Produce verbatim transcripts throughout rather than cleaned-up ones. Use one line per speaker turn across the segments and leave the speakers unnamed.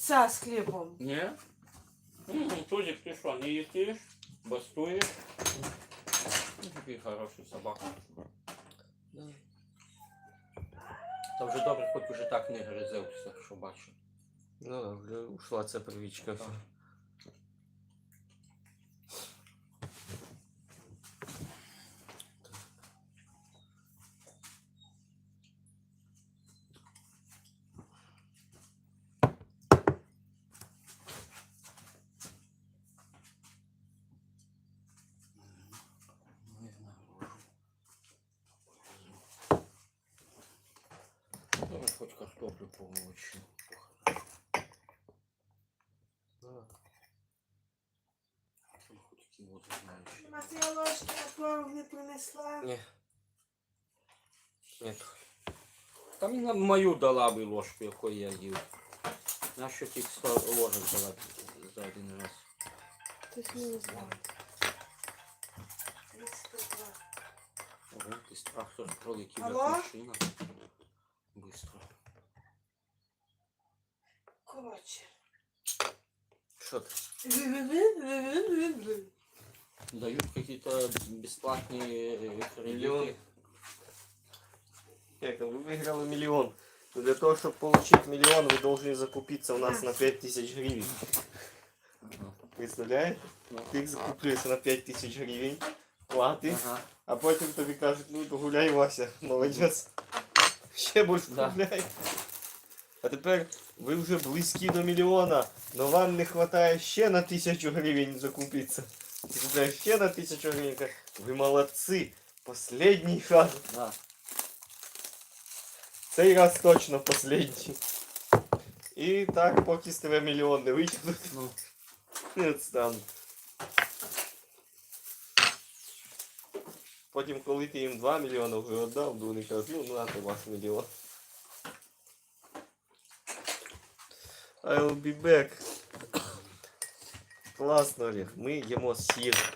яйца с хлебом.
Не? М, Тузик, ты что, не едишь? Бастуешь? Ну, такий хороший собака.
Да. Та вже добре, хоч уже так не гризився, що бачу. Ну так, вже ушла ця привічка.
Так. Не знаю. Давай хоть картоплю помолочу.
Да.
Там хоть кіло знаєш.
Матвія ложки на творог не принесла.
Ні. Ні.
Там і на мою дала би ложку, якою я їв. Нащо тільки сто ложок давати за один раз?
Хтось не знав. тридцять два.
Ого, ти страх, хто ж пролетів
Алло?
як машина. Быстро.
Коротше.
Що ти?
Дают какие-то бесплатные э,
Миллион.
кредиты.
Як, ви виграли мільйон. Но для того, щоб отримати мільйон, ви повинні закупитися у нас на п'ять тисяч гривень.
Ага.
Представляєте? Ти закуплюєшся на п'ять тисяч гривень, платиш,
Ага.
а потім тобі кажуть, ну то гуляй, Вася, молодець. Ще більше
Да.
гуляй. А тепер ви вже близькі до мільйона, но вам не вистачає ще на тисячу гривень закупитися. Ти купляєш ще на тисячу гривень, кажеш, ви молодці, останній шанс.
Да.
Цей раз точно останній. І так, поки з тебе мільйон не витягнуть,
Ну,
не відстануть. Потім, коли ти їм два мільйони вже віддав, то вони кажуть, ну, нате ваш мільйон. I'll be back. Класно, Олег. Ми їмо сир.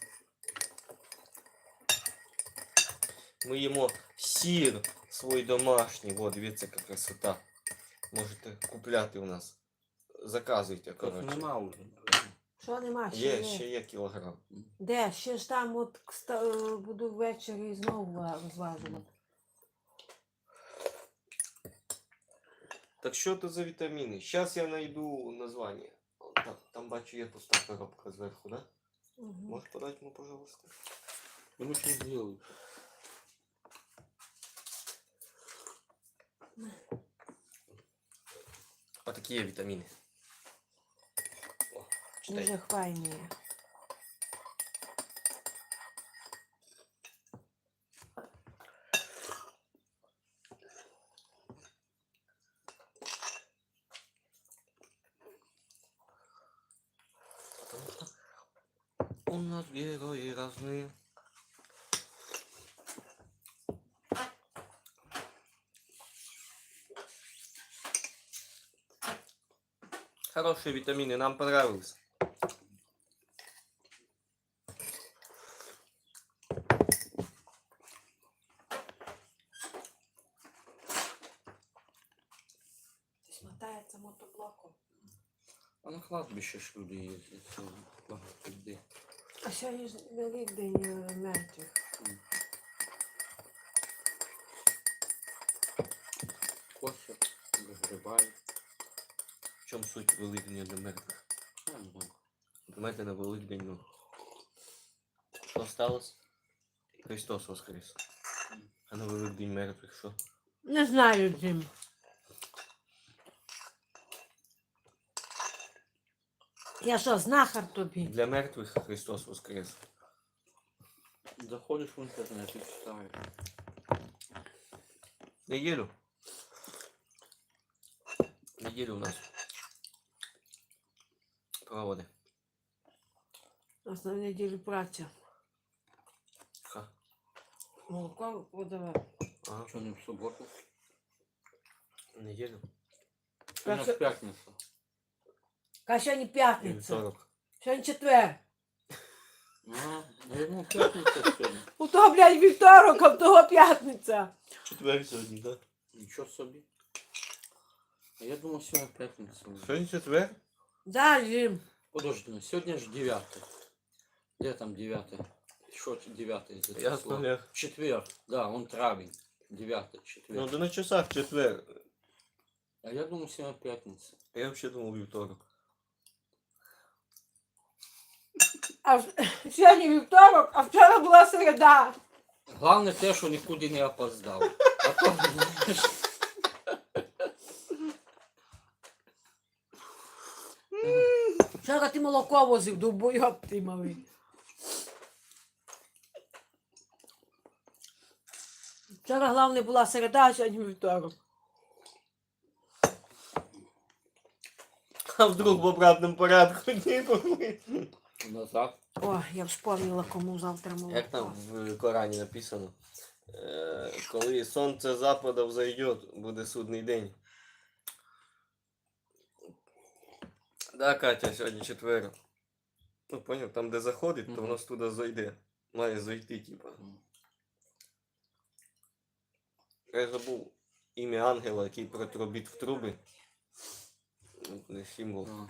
Ми їмо сир свій домашній. О, дивіться, яка красота. Можете купляти у нас. Заказуйте,
тут
коротше.
нема уже.
Що нема? Ще
Є,
є.
ще є кілограм.
Де? Ще ж там от кста- буду ввечері знову ва- розважувати.
Так що це за вітаміни? Зараз я знайду названня. О, Там, там бачу, є пуста коробка зверху, да?
Угу.
Можеш подати мені, пожалуйста?
Ну что сделают?
А такі є вітаміни. О, читай.
Дуже файні.
У нас герои разные. Хорошие витамины, нам понравилось.
Хтось мотається мотоблоком.
А на кладбище ж люди ездят. Це багато людей.
А сьогодні ж Великдень е, мертвих.
Косять, вигрібають.
В чому суть Великдня для мертвих?
Я не знаю.
Думаєте, на Великдень, ну, що сталося? Христос воскрес. А на Великдень мертвих що?
Не знаю, Джим. Я що, знахар тобі?
Для мертвих Христос воскрес.
Заходиш в інтернет і читаєш.
Неділю. Неділю у нас проводи.
У нас на неділю праця.
Ха.
Молоко подавати.
Ага.
Що не в суботу?
Неділю.
У нас
що-
п'ятниця.
Ка сьогодні
І
п'ятниця.
вівторок.
Сьогодні четвер.
Ага, я думав, п'ятниця сьогодні.
У того, блядь, вівторок, а в того п'ятниця.
Четвер сьогодні, так?
Нічого собі. А я думал, сегодня пятница. уже.
Сьогодні четвер?
Да, Жим.
Подожди, ну сегодня же девятое. Где там девятое? Что девятое за
Ясно,
число?
Олег.
Четверг. Да, он травень. Девятое, четверг.
Ну, да на часах четвер.
А я думал, сегодня пятница.
Я вообще думал вівторок.
А в- сьогодні вівторок, а вчора була середа.
Главное те, що нікуди не опоздав. А то, знаєш,
Вчора ти молоко возив, довбойоб ти малий. Вчора головне була середа, а сьогодні вівторок.
А вдруг в обратному порядку дні пошли?
назад.
О, я вспомнила, кому завтра молоко.
Як там в Корані написано? Е, коли сонце запада взойде, буде судний день. Да, Катя, сьогодні четвер. Ну, поняв, там де заходить, то
Мгм.
воно ж туди зайде. Має зайти, типа.
Мгм.
Я забув ім'я ангела, який протрубить в труби. Ну, це символ.
А.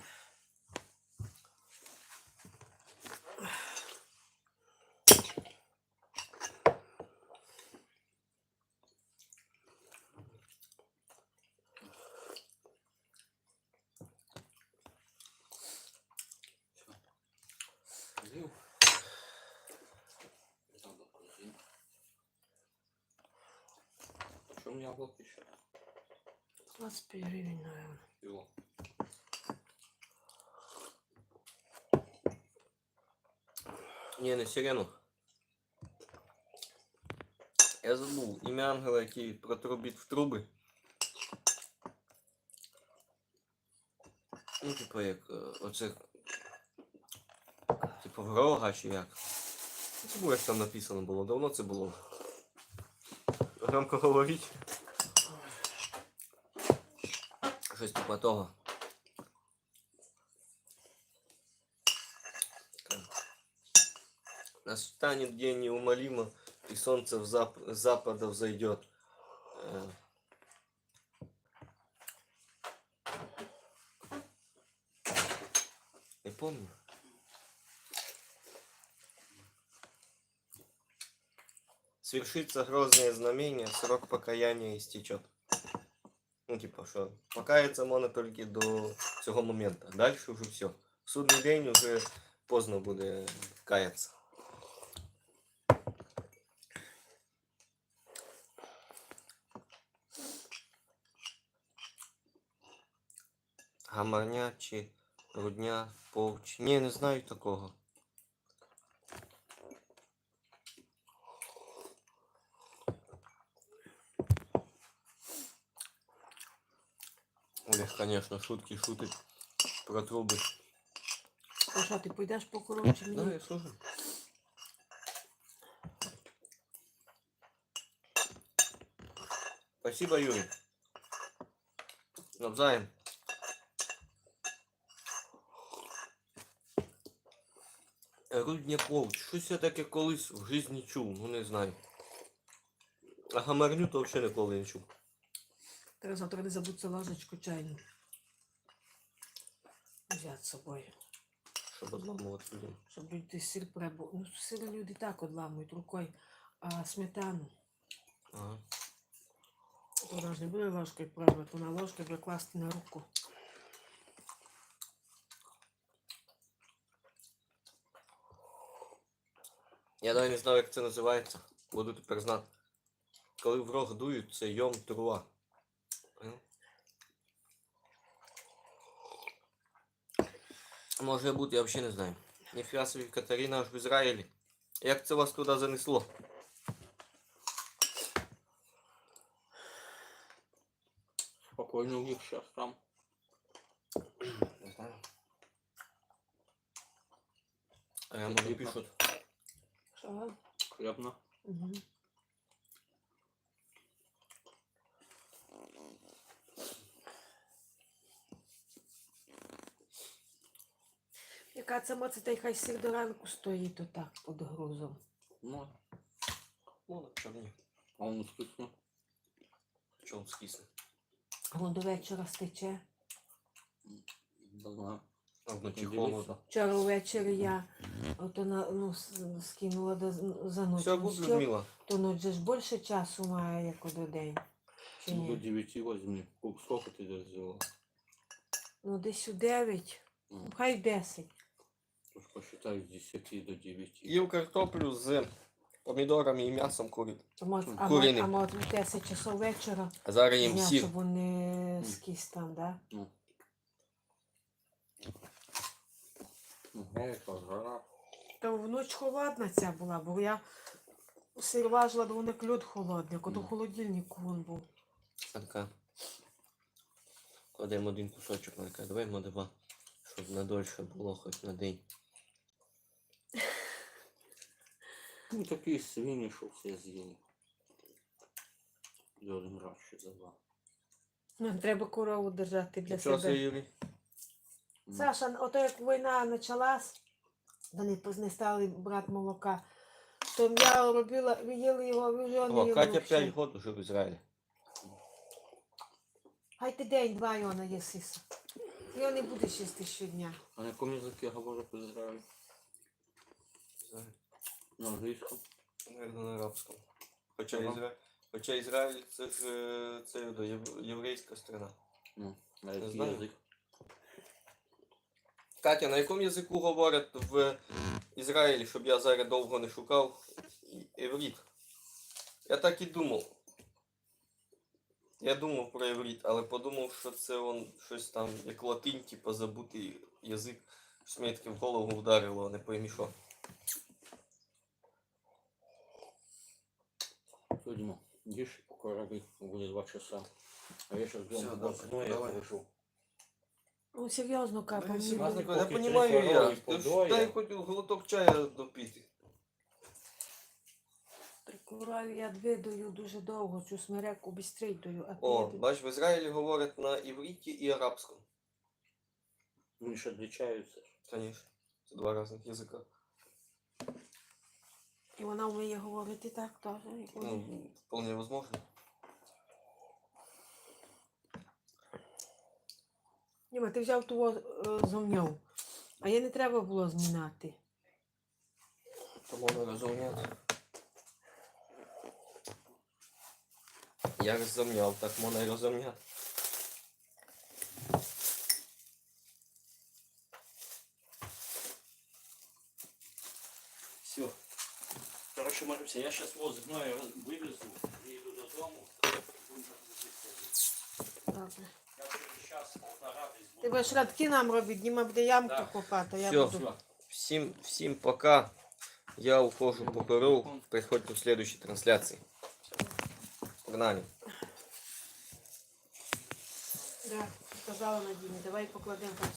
З'їв. Яблоко з'їв. А чому яблоко ще?
двадцять п'ять гривень, наверное.
Йо.
Ні, не сирену. Я забув ім'я ангела, який протрубить в труби. Ну, типу, як е, оце. Типу врога чи як. Забув, як там написано було. Давно це було. Громко говорить. Щось типу того. Настанет день неумолимо, и солнце в зап с запада взойдет. Э. Не помню. Свершится грозное знамение, срок покаяния истечет. Ну, типа, что покаяться можно только до цього момента. Дальше уже все. В судний день уже поздно буде каяться. Гамарня чи рудня, повч. Ні, не знаю такого. Олег, конечно, шутки шутить про труби.
А що, ти пойдеш по коротше
Да,
мені?
я слушаю. Спасибо, Юрий. Навзаєм. Рудня повч. Щось я таке колись в житті чув, ну не знаю. А гамарню то взагалі ніколи не чув.
Треба завтра не забудься ложечку чайну. Взяти з собою.
Щоб одламувати людям.
Щоб люди сир прибу. Ну, сир люди так одламують рукою, а сметану.
Ага.
Вона ж не буде ложкою пробувати, вона ложкою буде класти на руку.
Я навіть не знаю, як це називається. Буду тепер знати. Коли в рог дують, це йом труа. Понял? Може бути, я взагалі не знаю. Ніфіга собі Катерина аж в Ізраїлі. Як це вас туди занесло?
Спокойно у них сейчас там.
Не знаю. А я може пишуть.
Що?
Хлебно.
Угу. Яка це моця, та й хай сир до ранку стоїть отак під грузом.
Ну,
Ну, на чорні.
а он вкусно.
Що він скисне?
Воно до вечора стече.
Не знаю.
А вночі
Дивіться.
холодно.
Вчора ввечері я ото на, ну, с- скинула до, за ніч.
Все,
Ну,
буде,
що?
Людмила.
То ніч же ж більше часу має, як до день. Чи
Ну, до
ні?
девяти возьми. Сколько- Сколько ты взяла?
Ну, десь у дев'ять,
Ну,
ну, хай в десять.
уж посчитай с десяти до девяти.
Їв картоплю з помідорами і м'ясом курить.
А може, а, мо-
Куріним.
а може в десять часов вечора,
А зараз їм
дня,
сір.
щоб вони скіс там, да?
Ну. Ну, это жара.
Та вночі холодна ця була, бо я сир важила, то вони льод холодний, як ото в
Мгм.
холодильнику він був.
Така. Кладемо один кусочок, Марка, давай два, щоб надольше було хоч на день.
Ну, такие свиньи, что все съели. За один раз ще за два.
Нам треба корову держати для
Нічого
себе.
собі, Юрій.
М.
Саша, ото як війна почалась, вони поз- не стали брати молока, то я робила, ви їли його, ви вже не
О,
їли
Катя
взагалі.
п'ять років живе в Ізраїлі.
Хай ти день-два його наїсися. Його не будеш їсти щодня.
А на якому языке говорят в Израиле? На английском?
Наверно, на арабському. Хоча,
Ага.
Ізра... Хоча Ізраїль це ж е, це до єв- єврейська страна.
Ну, на який
знаю.
язик?
Катя, на якому язику говорять в Ізраїлі, щоб я зараз довго не шукав і- іврит? Я так і думав. Я думав про іврит, але подумав, що це он щось там, як латинь, типу забутий язик. Щось мені таке в голову вдарило, не поймі що.
Все, Дима, ешь и покораби, будет два часа. А я сейчас
Всё,
дома
давай,
босой, я
давай.
положу.
Ну, серйозно, капа,
Ну,
мені
серйозно,
буде.
я
поки
розумію,
три
я.
корови
Ти ж
подоє.
дай хоч глоток чая допити.
Прикураю, я дві даю дуже довго, цю смереку бістрій даю, а ти
О,
я тобі-
бач, в Ізраїлі говорять на івриті і арабському.
Они же отличаются.
Конечно, це два різних язика.
І вона вміє говорити так теж. як вони.
Ну, вполне возможно.
Діма, ти взяв того е, зомньов, а я не треба було змінати.
То можна розуміти. Я розумняв, так можна і розумняти.
Все. Короче, Маруся, я сейчас вот зубное вывезу и иду до дому. Будем так язык ходить.
Добре.
Я уже час полтора десь
Ти
буду.
будеш радки нам робити, Діма буде ямку
Да.
копати, а я
Всё.
буду.
Всё.
Всім, всім пока. Я ухожу по коров. Приходьте в следующей трансляции. Погнали.
Да, сказала Надіні, давай покладемо.